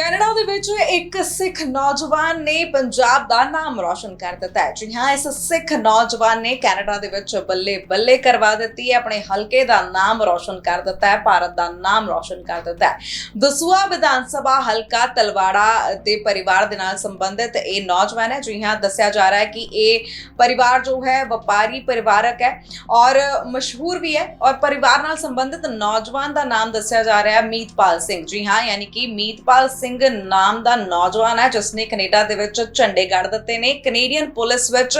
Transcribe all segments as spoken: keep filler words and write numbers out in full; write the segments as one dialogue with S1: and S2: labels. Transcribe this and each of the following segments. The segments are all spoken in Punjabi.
S1: ਕੈਨੇਡਾ ਦੇ ਵਿੱਚ ਇੱਕ ਸਿੱਖ ਨੌਜਵਾਨ ਨੇ ਪੰਜਾਬ ਦਾ ਨਾਮ ਰੌਸ਼ਨ ਕਰ ਦਿੱਤਾ ਹੈ। ਜੀ ਹਾਂ, ਇਸ ਸਿੱਖ ਨੌਜਵਾਨ ਨੇ ਕੈਨੇਡਾ ਦੇ ਵਿੱਚ ਬੱਲੇ ਬੱਲੇ ਕਰਵਾ ਦਿੱਤੀ ਹੈ, ਆਪਣੇ ਹਲਕੇ ਦਾ ਨਾਮ ਰੌਸ਼ਨ ਕਰ ਦਿੱਤਾ ਹੈ, ਭਾਰਤ ਦਾ ਨਾਮ ਰੌਸ਼ਨ ਕਰ ਦਿੱਤਾ ਹੈ। ਦਸੂਆ ਵਿਧਾਨ ਸਭਾ ਹਲਕਾ ਤਲਵਾੜਾ ਦੇ ਪਰਿਵਾਰ ਦੇ ਨਾਲ ਸੰਬੰਧਿਤ ਇਹ ਨੌਜਵਾਨ ਹੈ। ਜੀ ਹਾਂ, ਦੱਸਿਆ ਜਾ ਰਿਹਾ ਹੈ ਕਿ ਇਹ ਪਰਿਵਾਰ ਜੋ ਹੈ ਵਪਾਰੀ ਪਰਿਵਾਰਕ ਹੈ ਔਰ ਮਸ਼ਹੂਰ ਵੀ ਹੈ ਔਰ ਪਰਿਵਾਰ ਨਾਲ ਸੰਬੰਧਿਤ ਨੌਜਵਾਨ ਦਾ ਨਾਮ ਦੱਸਿਆ ਜਾ ਰਿਹਾ ਹੈ ਮੀਤਪਾਲ ਸਿੰਘ। ਜੀ ਹਾਂ, ਯਾਨੀ ਕਿ ਮੀਤਪਾਲ ਸਿੰਘ ਨਾਮ ਦਾ ਨੌਜਵਾਨ ਹੈ ਜਿਸ ਨੇ ਕੈਨੇਡਾ ਦੇ ਵਿੱਚ ਝੰਡੇ ਗੱਡ ਦਿੱਤੇ ਨੇ। ਕੈਨੇਡੀਅਨ ਪੁਲਿਸ ਵਿੱਚ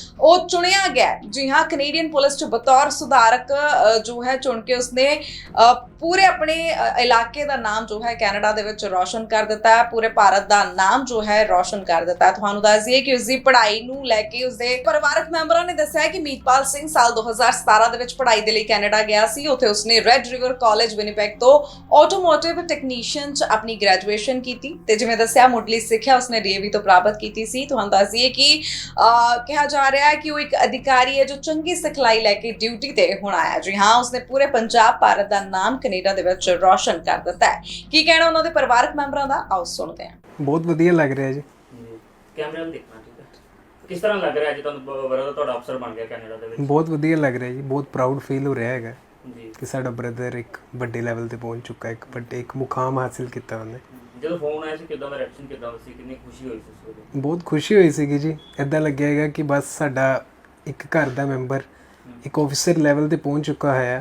S1: ਉਹ ਚੁਣਿਆ ਗਿਆ। ਜੀ ਹਾਂ, ਕੈਨੇਡੀਅਨ ਪੁਲਿਸ ਚ ਬਤੌਰ ਸੁਧਾਰਕ ਜੋ ਹੈ ਚੁਣ ਕੇ ਉਸਨੇ ਪੂਰੇ ਆਪਣੇ ਇਲਾਕੇ ਦਾ ਨਾਮ ਜੋ ਹੈ ਕੈਨੇਡਾ ਦੇ ਵਿੱਚ ਰੌਸ਼ਨ ਕਰ ਦਿੱਤਾ ਹੈ, ਪੂਰੇ ਭਾਰਤ ਦਾ ਨਾਮ ਜੋ ਹੈ ਰੌਸ਼ਨ ਕਰ ਦਿੱਤਾ ਹੈ। ਤੁਹਾਨੂੰ ਦੱਸ ਦਈਏ ਕਿ ਉਸਦੀ ਪੜ੍ਹਾਈ ਨੂੰ ਲੈ ਕੇ ਉਸਦੇ ਪਰਿਵਾਰਕ ਮੈਂਬਰਾਂ ਨੇ ਦੱਸਿਆ ਕਿ ਮੀਤਪਾਲ ਸਿੰਘ ਸਾਲ ਦੋ ਹਜ਼ਾਰ ਸਤਾਰਾਂ ਦੇ ਵਿੱਚ ਪੜ੍ਹਾਈ ਦੇ ਲਈ ਕੈਨੇਡਾ ਗਿਆ ਸੀ। ਉੱਥੇ ਉਸਨੇ ਰੈੱਡ ਰਿਵਰ ਕਾਲਜ ਵਿਨੀਪੈਗ ਤੋਂ ਆਟੋਮੋਟਿਵ ਟੈਕਨੀਸ਼ੀਅਨ ਚ ਆਪਣੀ ਗ੍ਰੈਜੂਏਸ਼ਨ ਕੀਤੀ ਤੇ ਜਿਵੇਂ ਦੱਸਿਆ ਮੁੱਢਲੀ ਸਿੱਖਿਆ ਉਸਨੇ ਡੀਏਵੀ ਤੋਂ ਪ੍ਰਾਪਤ ਕੀਤੀ ਸੀ। ਤੁਹਾਨੂੰ ਦੱਸ ਦਈਏ ਕਿ ਕਿਹਾ ਜਾ ਰਿਹਾ ਕਿ ਉਹ ਇੱਕ ਅਧਿਕਾਰੀ ਹੈ ਜੋ ਚੰਗੀ ਸਿਖਲਾਈ ਲੈ ਕੇ ਡਿਊਟੀ ਤੇ ਹੁਣ ਆਇਆ। ਜੀ ਹਾਂ, ਉਸਨੇ ਪੂਰੇ ਪੰਜਾਬ ਭਾਰਤ ਦਾ ਨਾਮ ਕੈਨੇਡਾ ਦੇ ਵਿੱਚ ਰੌਸ਼ਨ ਕਰ ਦਿੱਤਾ ਹੈ। ਕੀ ਕਹਿਣਾ ਉਹਨਾਂ ਦੇ ਪਰਿਵਾਰਕ ਮੈਂਬਰਾਂ ਦਾ, ਆਓ ਸੁਣਦੇ ਹਾਂ।
S2: ਬਹੁਤ ਵਧੀਆ ਲੱਗ ਰਿਹਾ ਜੀ।
S3: ਕੈਮਰੇ ਨੂੰ ਦੇਖਣਾ ਠੀਕ ਹੈ। ਕਿਸ ਤਰ੍ਹਾਂ ਲੱਗ ਰਿਹਾ ਜੀ ਤੁਹਾਨੂੰ ਬ੍ਰਦਰ ਤੁਹਾਡਾ ਅਫਸਰ ਬਣ ਗਿਆ ਕੈਨੇਡਾ ਦੇ ਵਿੱਚ?
S2: ਬਹੁਤ ਵਧੀਆ ਲੱਗ ਰਿਹਾ ਜੀ, ਬਹੁਤ ਪ੍ਰਾਊਡ ਫੀਲ ਹੋ ਰਿਹਾ ਹੈਗਾ
S3: ਜੀ
S2: ਕਿ ਸਾਡਾ ਬ੍ਰਦਰ ਇੱਕ ਵੱਡੇ ਲੈਵਲ ਤੇ ਪਹੁੰਚ ਚੁੱਕਾ ਹੈ, ਇੱਕ ਵੱਡੇ ਇੱਕ ਮੁਕਾਮ ਹਾਸਿਲ ਕੀਤਾ ਉਹਨੇ।
S3: ਜਦੋਂ ਫੋਨ ਆਇਆ ਸੀ ਕਿਦਾਂ ਦਾ ਰਿਐਕਸ਼ਨ ਕਿਦਾਂ ਸੀ, ਕਿੰਨੀ ਖੁਸ਼ੀ ਹੋਈ ਸੀ ਉਸ ਵੇਲੇ?
S2: ਬਹੁਤ ਖੁਸ਼ੀ ਹੋਈ ਸੀਗੀ ਜੀ। ਇੱਦਾਂ ਲੱਗਿਆ ਹੈਗਾ ਕਿ ਬਸ ਸਾਡਾ ਇੱਕ ਘਰ ਦਾ ਮੈਂਬਰ ਇੱਕ ਆਫਿਸਰ ਲੈਵਲ ਤੇ ਪਹੁੰਚ ਚੁੱਕਾ ਹੋਇਆ।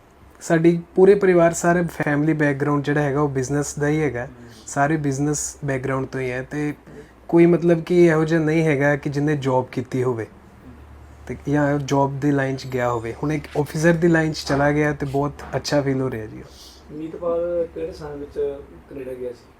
S2: ਸਾਡੀ ਪੂਰੇ ਪਰਿਵਾਰ ਸਾਰੇ ਫੈਮਿਲੀ ਬੈਕਗ੍ਰਾਉਂਡ ਜਿਹੜਾ ਹੈਗਾ ਉਹ ਬਿਜ਼ਨਸ ਦਾ ਹੀ ਹੈਗਾ, ਸਾਰੇ ਬਿਜ਼ਨਸ ਬੈਕਗ੍ਰਾਉਂਡ ਤੋਂ ਹੀ ਹੈ ਤੇ ਕੋਈ ਮਤਲਬ ਕਿ ਇਹੋ ਜਿਹਾ ਨਹੀਂ ਹੈਗਾ ਕਿ ਜਿਹਨੇ ਜੌਬ ਕੀਤੀ ਹੋਵੇ ਤੇ ਜਾਂ ਜੌਬ ਦੀ ਲਾਈਨ 'ਚ ਗਿਆ ਹੋਵੇ। ਹੁਣ ਇੱਕ ਆਫਿਸਰ ਦੀ ਲਾਈਨ 'ਚ ਚਲਾ ਗਿਆ ਤੇ ਬਹੁਤ ਅੱਛਾ ਫੀਲ ਹੋ ਰਿਹਾ ਜੀ।
S4: ਮੀਤਪਾਲ ਕਿਹੜੇ ਸਾਲ ਵਿੱਚ ਕੈਨੇਡਾ ਗਿਆ ਸੀ?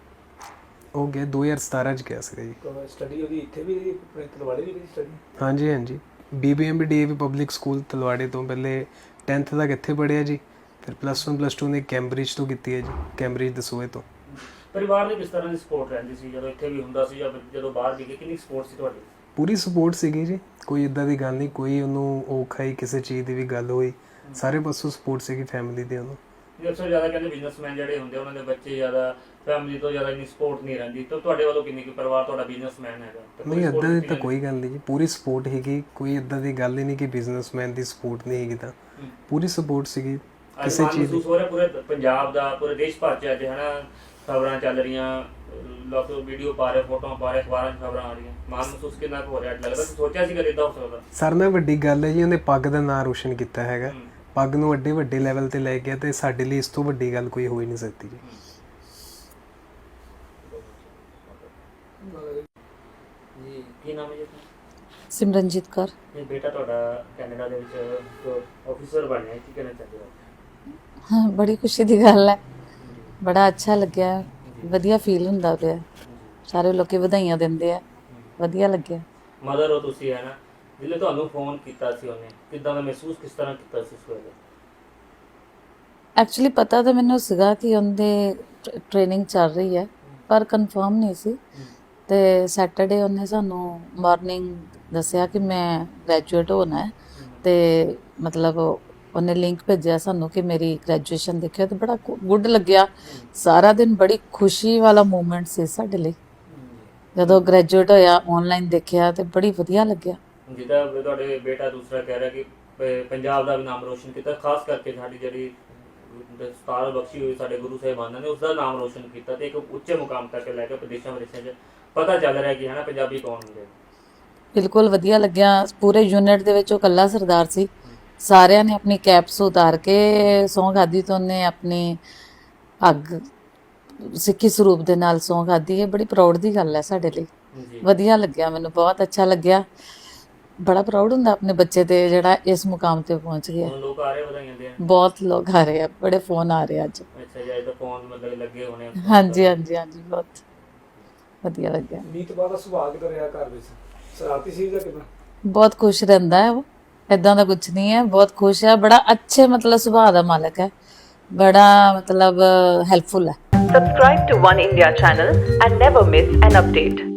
S2: ਉਹ ਗਿਆ ਦੋ ਹਜ਼ਾਰ ਸਤਾਰਾਂ 'ਚ ਗਿਆ ਸੀਗਾ ਜੀ।
S4: ਸਟੱਡੀ ਉਹਦੀ ਇੱਥੇ ਵੀ ਆਪਣੇ ਤਲਵਾੜੇ ਵੀ ਕੀਤੀ ਸਟੱਡੀ?
S2: ਹਾਂਜੀ ਹਾਂਜੀ, B B M B D A V public school ਤਲਵਾੜੇ ਤੋਂ ਪਹਿਲੇ ਟੈਂਥ ਤੱਕ ਇੱਥੇ ਪੜ੍ਹਿਆ ਜੀ, ਫਿਰ ਪਲੱਸ ਵਨ ਪਲੱਸ ਟੂ ਨੇ ਕੈਂਬਰਿਜ ਤੋਂ ਕੀਤੀ ਹੈ ਜੀ, ਕੈਂਬਰਿਜ ਦਸੂਏ ਤੋਂ।
S3: ਪਰਿਵਾਰ ਦੀ ਕਿਸ ਤਰ੍ਹਾਂ ਦੀ ਸਪੋਰਟ ਰਹਿੰਦੀ ਸੀ ਜਦੋਂ ਇੱਥੇ ਵੀ ਹੁੰਦਾ ਸੀ ਜਾਂ ਜਦੋਂ ਬਾਹਰ ਵੀ ਗਏ, ਕਿੰਨੀ ਸਪੋਰਟ ਸੀ ਤੁਹਾਡੀ?
S2: ਪੂਰੀ ਸਪੋਰਟ ਸੀਗੀ ਜੀ, ਕੋਈ ਇੱਦਾਂ ਦੀ ਗੱਲ ਨਹੀਂ, ਕੋਈ ਉਹਨੂੰ ਔਖਾ ਹੀ ਕਿਸੇ ਚੀਜ਼ ਦੀ ਵੀ ਗੱਲ ਹੋਈ, ਸਾਰੇ ਪਾਸੋਂ ਸਪੋਰਟ ਸੀਗੀ ਫੈਮਿਲੀ ਦੀ ਉਹਨੂੰ।
S3: ਅਕਸਰ ਜ਼ਿਆਦਾ ਕਹਿੰਦੇ ਬਿਜ਼ਨਸਮੈਨ ਜਿਹੜੇ ਹੁੰਦੇ ਉਹਨਾਂ ਦੇ ਬੱਚੇ ਜ਼ਿਆਦਾ ਫੈਮਿਲੀ ਤੋਂ ਜ਼ਿਆਦਾ ਇੰਨੀ ਸਪੋਰਟ ਨਹੀਂ ਰਹਿੰਦੀ, ਤਾਂ ਤੁਹਾਡੇ ਵੱਲੋਂ ਕਿੰਨੀ ਕੁ ਪਰਿਵਾਰ ਤੁਹਾਡਾ ਬਿਜ਼ਨਸਮੈਨ ਹੈਗਾ?
S2: ਨਹੀਂ, ਇੱਦਾਂ ਦੀ ਤਾਂ ਕੋਈ ਗੱਲ ਨਹੀਂ ਜੀ, ਪੂਰੀ ਸਪੋਰਟ ਸੀਗੀ, ਕੋਈ ਇੱਦਾਂ ਦੀ ਗੱਲ ਹੀ ਨਹੀਂ ਕਿ ਬਿਜ਼ਨਸਮੈਨ ਦੀ ਸਪੋਰਟ ਨਹੀਂ ਹੈਗੀ, ਤਾਂ ਪੂਰੀ ਸਪੋਰਟ ਸੀਗੀ ਕਿਸੇ ਚੀਜ਼ ਦੀ।
S3: ਹੋ ਰਿਹਾ ਪੂਰੇ ਪੰਜਾਬ ਦਾ, ਪੂਰੇ ਦੇਸ਼ ਭਰ 'ਚ ਅੱਜ ਹੈ ਨਾ ਖਬਰਾਂ ਚੱਲ ਰਹੀਆਂ, ਲੋਕ ਵੀਡੀਓ ਪਾ ਰਹੇ, ਫੋਟੋਆਂ ਪਾ ਰਹੇ, ਅਖਬਾਰਾਂ 'ਚ ਖਬਰਾਂ ਆ ਰਹੀਆਂ, ਮਾਣ ਮਹਿਸੂਸ ਕਿੰਨਾ ਕੁ ਹੋ ਰਿਹਾ? ਲੱਗਦਾ ਸੋਚਿਆ ਸੀ ਕਦੇ ਇਦਾਂ ਹੋ ਸਕਦਾ?
S2: ਸਰ ਨਾਲ ਵੱਡੀ ਗੱਲ ਹੈ ਜੀ, ਉਹਨੇ ਪੱਗ ਦਾ ਨਾਂ ਰੋਸ਼ਨ ਕੀਤਾ ਹੈਗਾ, ਪੱਗ ਨੂੰ ਵੱਡੇ ਵੱਡੇ ਲੈਵਲ ਤੇ ਲੈ ਗਿਆ ਤੇ ਸਾਡੇ ਲਈ ਇਸ ਤੋਂ ਵੱਡੀ ਗੱਲ ਕੋਈ ਹੋ ਹੀ ਨਹੀਂ ਸਕਦੀ ਜੀ।
S3: ਜੀ ਕੀ ਨਾਮ ਹੈ ਜੀ?
S5: ਸਿਮਰਨਜੀਤ ਕੌਰ।
S3: ਇਹ ਬੇਟਾ ਤੁਹਾਡਾ ਕੈਨੇਡਾ ਦੇ ਵਿੱਚ ਆਫਿਸਰ ਬਣਿਆ, ਕੀ ਕਹਿਣਾ ਚਾਹੁੰਦੇ ਹੋ?
S5: ਹਾਂ, ਬੜੀ ਖੁਸ਼ੀ ਦੀ ਗੱਲ ਹੈ, ਬੜਾ ਅੱਛਾ ਲੱਗਿਆ, ਵਧੀਆ ਫੀਲ ਹੁੰਦਾ ਪਿਆ, ਸਾਰੇ ਲੋਕੀ ਵਧਾਈਆਂ ਦਿੰਦੇ ਆ, ਵਧੀਆ ਲੱਗਿਆ।
S3: ਮਦਰ ਹੋ ਤੁਸੀਂ ਹੈ ਨਾ, ਜਿੱਲੇ ਤੁਹਾਨੂੰ ਫੋਨ ਕੀਤਾ ਸੀ ਉਹਨੇ, ਕਿੱਦਾਂ ਦਾ ਮਹਿਸੂਸ ਕਿਸ ਤਰ੍ਹਾਂ ਕੀਤਾ ਸੀ ਉਸ ਵੇਲੇ?
S5: ਐਕਚੁਅਲੀ ਪਤਾ ਤਾਂ ਮੈਨੂੰ ਸੀਗਾ ਕਿ ਉਹਦੇ ਟ੍ਰੇਨਿੰਗ ਚੱਲ ਰਹੀ ਹੈ ਪਰ ਕਨਫਰਮ ਨਹੀਂ ਸੀ, ਤੇ ਸੈਟਰਡੇ ਉਹਨੇ ਸਾਨੂੰ ਮਾਰਨਿੰਗ ਦੱਸਿਆ ਕਿ ਮੈਂ ਗ੍ਰੈਜੂਏਟ ਹੋਣਾ ਹੈ ਤੇ ਮਤਲਬ ਉਹਨੇ ਲਿੰਕ ਭੇਜਿਆ ਸਾਨੂੰ ਕਿ ਮੇਰੀ ਗ੍ਰੈਜੂਏਸ਼ਨ ਦੇਖਿਆ ਤੇ ਬੜਾ ਗੁੱਡ ਲੱਗਿਆ। ਸਾਰਾ ਦਿਨ ਬੜੀ ਖੁਸ਼ੀ ਵਾਲਾ ਮੂਮੈਂਟ ਸੀ ਸਾਡੇ ਲਈ, ਜਦੋਂ ਗ੍ਰੈਜੂਏਟ ਹੋਇਆ ਆਨਲਾਈਨ ਦੇਖਿਆ ਤੇ ਬੜੀ ਵਧੀਆ ਲੱਗਿਆ।
S3: ਜਿੱਦਾਂ ਤੁਹਾਡੇ ਬੇਟਾ ਦੂਸਰਾ ਕਹਿ ਰਿਹਾ ਕਿ ਪੰਜਾਬ ਦਾ ਵੀ ਨਾਮ ਰੋਸ਼ਨ ਕੀਤਾ, ਖਾਸ ਕਰਕੇ ਸਾਡੀ ਜਿਹੜੀ ਦਸਤਾਰ ਬਖਸ਼ੀ ਹੋਈ ਸਾਡੇ ਗੁਰੂ ਸਾਹਿਬਾਨਾਂ ਨੇ, ਉਸ ਦਾ ਨਾਮ ਰੋਸ਼ਨ ਕੀਤਾ ਤੇ ਇੱਕ ਉੱਚੇ ਮੁਕਾਮ ਤੱਕ ਲੈ ਕੇ ਵਿਦੇਸ਼ਾਂ ਵਿਦੇਸ਼ਾਂ 'ਚ ਪਤਾ ਚੱਲ ਰਿਹਾ ਕਿ ਹੈ ਨਾ ਪੰਜਾਬੀ ਕੌਣ ਹੁੰਦੇ। ਬਿਲਕੁਲ
S5: ਵਧੀਆ ਲੱਗਿਆ। ਪੂਰੇ ਯੂਨਿਟ ਦੇ ਵਿੱਚ ਉਹ ਇਕੱਲਾ ਸਰਦਾਰ ਸੀ, ਸਾਰਿਆਂ ਨੇ ਆਪਣੀ ਕੈਪਸ ਉਤਾਰ ਕੇ ਸਹੁੰ ਖਾਧੀ ਤੋਂ ਉਹਨੇ ਆਪਣੀ ਅੱਗ ਸਿੱਖੀ ਸਰੂਪ ਦੇ ਨਾਲ ਸਹੁੰ ਖਾਧੀ ਹੈ। ਬੜੀ ਪ੍ਰਾਊਡ ਦੀ ਗੱਲ ਹੈ ਸਾਡੇ ਲਈ, ਵਧੀਆ ਲੱਗਿਆ, ਮੈਨੂੰ ਬਹੁਤ ਅੱਛਾ ਲੱਗਿਆ। ਬੜਾ ਪ੍ਰਾਊਡ ਹੁੰਦਾ ਆਪਣੇ ਬੱਚੇ ਤੇ ਜਿਹੜਾ ਇਸ ਮੁਕਾਮ ਤੇ ਪਹੁੰਚ ਗਿਆ।
S3: ਲੋਕ ਆ ਰਹੇ ਵਧਾਈਆਂ ਦੇਣ,
S5: ਬਹੁਤ ਲੋਕ ਆ ਰਹੇ ਆ, ਬੜੇ ਫੋਨ ਆ ਰਹੇ ਅੱਜ।
S3: ਅੱਛਾ ਜੀ, ਤਾਂ ਫੋਨ ਮਤਲਬ ਲੱਗੇ ਹੋਣੇ?
S5: ਹਾਂਜੀ ਹਾਂਜੀ ਹਾਂਜੀ, ਬਹੁਤ ਵਧੀਆ ਲੱਗਿਆ।
S4: ਮੀਤਪਾਲ ਦਾ ਸੁਭਾਅ ਕਿਦਾਂ ਰਿਹਾ ਘਰ ਵਿੱਚ? ਸ਼ਰਾਰਤੀ ਸੀ ਜਾਂ ਕਿਦਾਂ?
S5: ਬਹੁਤ ਖੁਸ਼ ਰਹਿੰਦਾ ਹੈ ਉਹ, ਇਦਾਂ ਦਾ ਕੁਝ ਨਹੀਂ ਹੈ, ਬਹੁਤ ਖੁਸ਼ ਹੈ, ਬੜਾ ਅੱਛੇ ਮਤਲਬ ਸੁਭਾਅ ਦਾ ਮਾਲਕ ਹੈ, ਬੜਾ ਮਤਲਬ ਹੈਲਪਫੁਲ ਹੈ।
S6: Subscribe to One India channel and never miss an update.